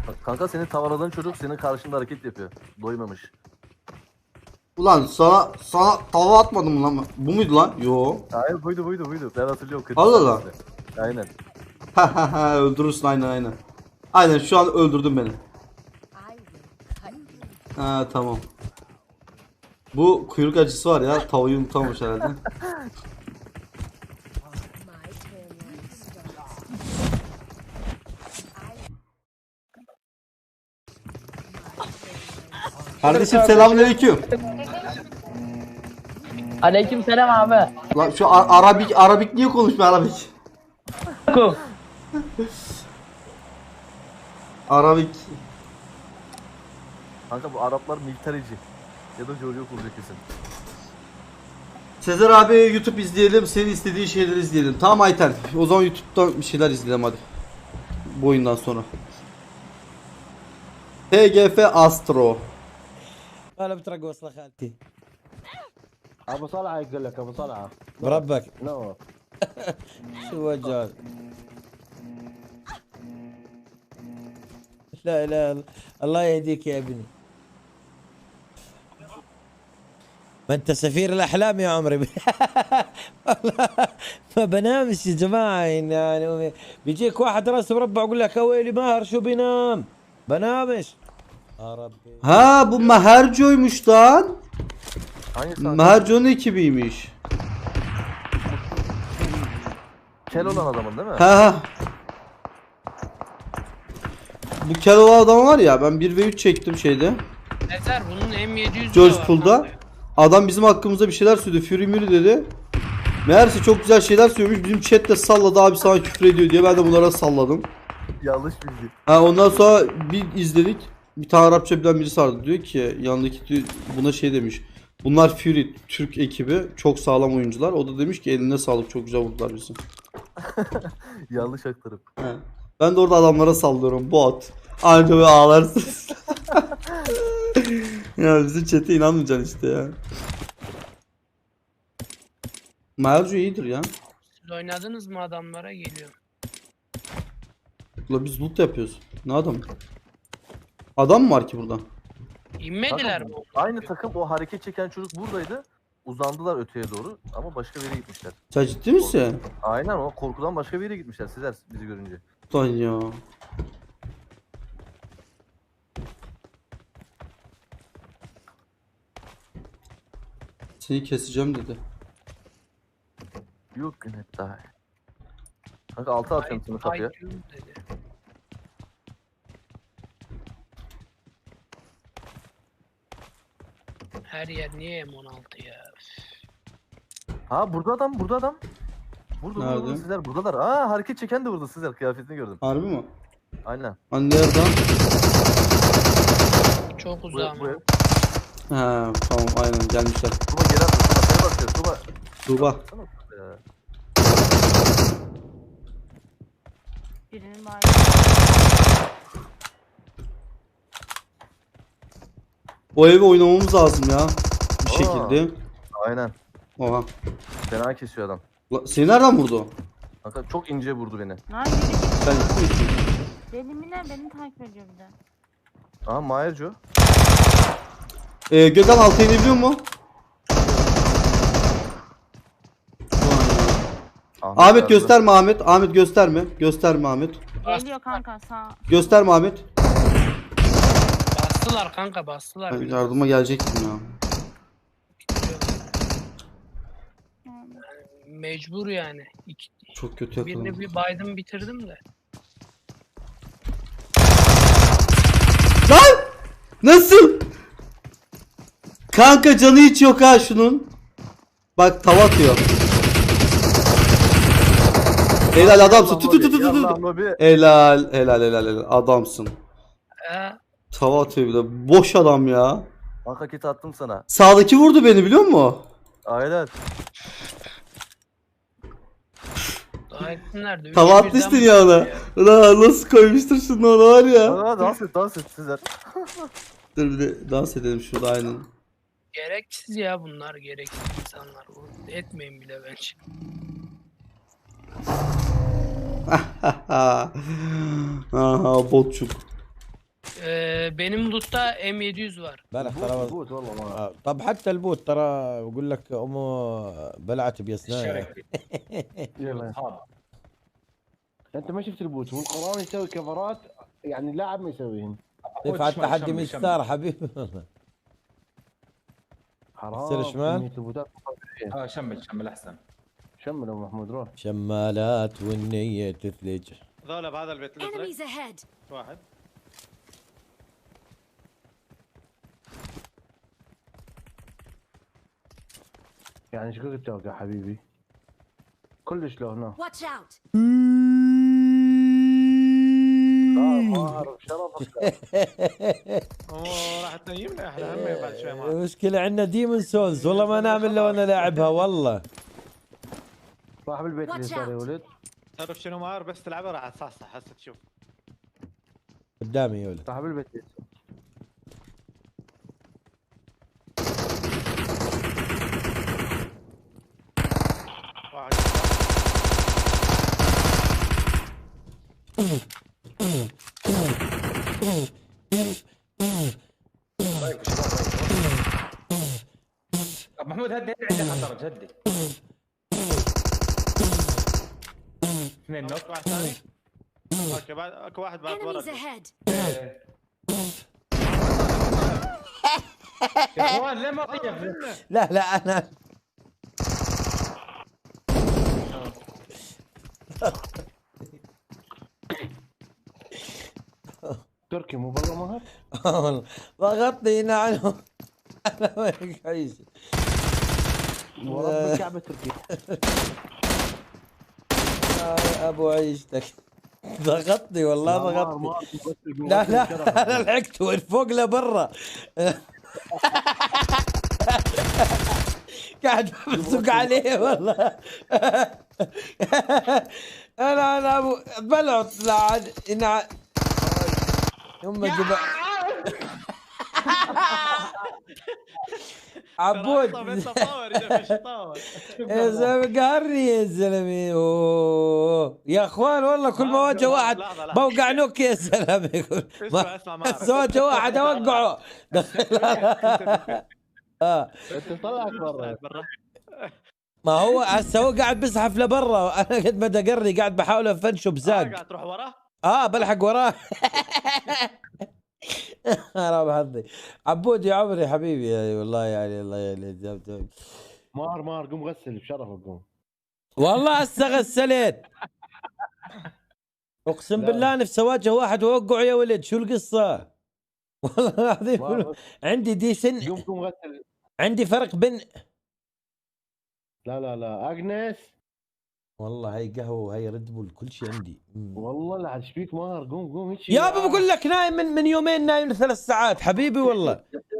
Kanka senin tavaladığın çocuk senin karşında hareket yapıyor. Doymamış. Ulan sana tava atmadım mı lan? Bu muydu lan? Yo. Hayır buydu. Ben hatırlıyorum. Allah Allah. Aynen. Öldürürsün aynen. Aynen şu an öldürdün beni. Ha tamam. Bu kuyruk acısı var ya, tavayı unutamamış herhalde. Kardeşim selamünaleyküm. Aleykümselam abi. Lan şu Arabik niye konuşmuyor Arabik? Arabik. Kanka bu Araplar militerici. Ya da George olacak kesin. Sezer abi YouTube izleyelim, senin istediğin şeyleri izleyelim. Tamam Ayten, o zaman YouTube'dan bir şeyler izleyelim hadi. Bu oyundan sonra. TGF Astro. انا بترك وصله خالتي ابو صلعه يقول لك ابو صلعه بربك نو شو وجهك لا لا الله يهديك يا ابني ما انت سفير الاحلام يا عمري والله ما بنامش يا جماعه يعني بيجيك واحد راسه مربع يقول لك يا ويلي ماهر شو بينام بنامش يا ربي Ha bu Maherco'ymuş lan. Hangisi? Maherco'nun ekibiymiş. Kel olan adamın değil mi? Ha. Bu Keloğlan adam var ya, ben 1v3 çektim şeyde. Ezer bunun M700'ü George de var Pool'da. kanka. Adam bizim hakkımızda bir şeyler söyledi. Fury Muri dedi. Meğerse çok güzel şeyler söylemiş. Bizim chat de salladı, abi sana küfür ediyor diye. Ben de bunlara salladım. Yanlış bilgi. Ha ondan sonra bir izledik. Bir tane Arapça bilen birisi vardı, diyor ki yanındaki diyor, buna şey demiş. Bunlar Fury Türk ekibi, çok sağlam oyuncular. O da demiş ki eline sağlık, çok güzel vurdular bizi. Yanlış aktarım. He. Ben de orada adamlara sallıyorum, bot. Anca böyle ağlarsınız. Ya bizim chat'e inanmayacaksın işte ya. Maelcu iyidir ya. Siz oynadınız mı adamlara geliyor. Ula biz loot yapıyoruz. Ne adam? Adam mı var ki burada? İnmediler Kanka, mi? aynı takım o hareket çeken çocuk buradaydı. Uzandılar öteye doğru ama başka bir yere gitmişler. Sen ciddi misin? Aynen o korkudan başka bir yere gitmişler sizler bizi görünce. Lan ya. Seni keseceğim dedi. Yok gün hep daha. Kanka altı atıyorum seni kapıya. IQ dedi. Her yer niye M16 ya? Ha burada adam. Burada Nerede? sizler buradalar. Aa hareket çeken de burada sizler kıyafetini gördüm. Harbi mi? Aynen. Hani nereden? Çok Buraya, uzağım. buraya. Ha tamam aynen gelmişler. Tuba geri attı. Tuba seni bakıyor. Tuba. Tuğba. Sana ya. Birinin var. O evi oynamamız lazım ya. Bir Aa. şekilde. Aynen. Oha. Fena kesiyor adam. Seni nereden vurdu? Kanka çok ince vurdu beni. Lan biri Sen ciddi misin? deli mi ne? Beni takip ediyor bir de. Aha Mayerco. Gökhan alta inebiliyor mu? Ahmet yazdı. gösterme Ahmet. Ahmet gösterme. Gösterme Ahmet. Geliyor kanka sağ. Gösterme Ahmet. Bastılar kanka bastılar. Ben yardıma gelecektim ya. Mecbur yani. Çok kötü Birini yakaladım. bir baydım bitirdim de. Lan! Nasıl? Kanka canı hiç yok ha şunun. Bak tava atıyor. Helal adamsın. Tut tut tut tut. Yallah lobi. Helal adamsın. Tava atıyor bir de. Boş adam ya. Kanka kit attım sana. Sağdaki vurdu beni biliyor musun? Aynen. Nerede? Tava atmıştın ya ona. Ulan nasıl koymuştur şunu ona var ya. Aa, dans et sizler. Dur bir de dans edelim şurada aynen. Gereksiz ya bunlar gereksiz insanlar. Etmeyin bile bence. Aha botçuk. Benim loot'ta M700 var. امبارح بوت ترى بوت والله ما طب حتى البوت ترى بقول لك امه بلعت بيسناها. الشركه يلا. اصحاب. انت ما شفت البوت والقرآن يسوي كفرات، يعني لاعب ما يسويهن. ينفع التحدي 100 ستار حبيبي. حرام. يصير شمال؟ كمية البوتات. شمل احسن. شمل ابو محمود روح. شمالات والنية تثلج. ذولا بهذا البيت الازرق Enemies ahead. واحد. يعني ايش قلت لك يا حبيبي؟ كلش له هنا. Watch out. ما اعرف شرفك. راح تنيمنا احنا هم بعد شوي معك. المشكلة عندنا ديمون سولز والله ما نعمل لو انا لاعبها والله. صاحب البيت اللي Watch صار يا out. ولد. تعرف شنو مار بس تلعبها راح تصحصح هسه تشوف. قدامي يا ولد. صاحب البيت اللي صار. واحد. طب محمود هدي عندك خطر هدي. اثنين نوك. واحد ثاني. اوكي بعد اكو واحد بعد Enemies ورا. ahead. يا اخوان ليه ما طيب؟ لا لا انا تركي مو بالله مهر. والله ضغطني هنا عنهم. انا وينك عايش. ورب الكعبه تركي. يا ابو عيشتك. ضغطني والله ضغطني. لا لا انا لحقت وين فوق لبرا. قاعد بمسك عليه والله. انا ابو بلعت لعد هم جبا عبود يا زلمه قهرني يا زلمه. أوه. يا اخوان والله كل ما واجه واحد بوقع نوك يا زلمه. اسمع بس واجه واحد اوقعه. انت طلعك برا. ما هو هسه هو قاعد بزحف لبرا انا قد ما دقرني قاعد بحاول افنشه بزاق. قاعد تروح وراه. بلحق وراه. رابح حظي. عبود يا عمري حبيبي يعني والله يعني الله يعني. مار قوم غسل بشرفك قوم. والله هسه غسلت. اقسم بالله نفسي اواجه واحد واوقعه يا ولد شو القصه؟ والله العظيم عندي دي سن. قوم غسل. عندي فرق بين لا اجنس. والله هي قهوه وهي ريد بول كل شيء عندي. والله لا ايش فيك مار؟ قوم هيك. يابا بقول لك نايم من يومين نايم 3 ساعات حبيبي والله.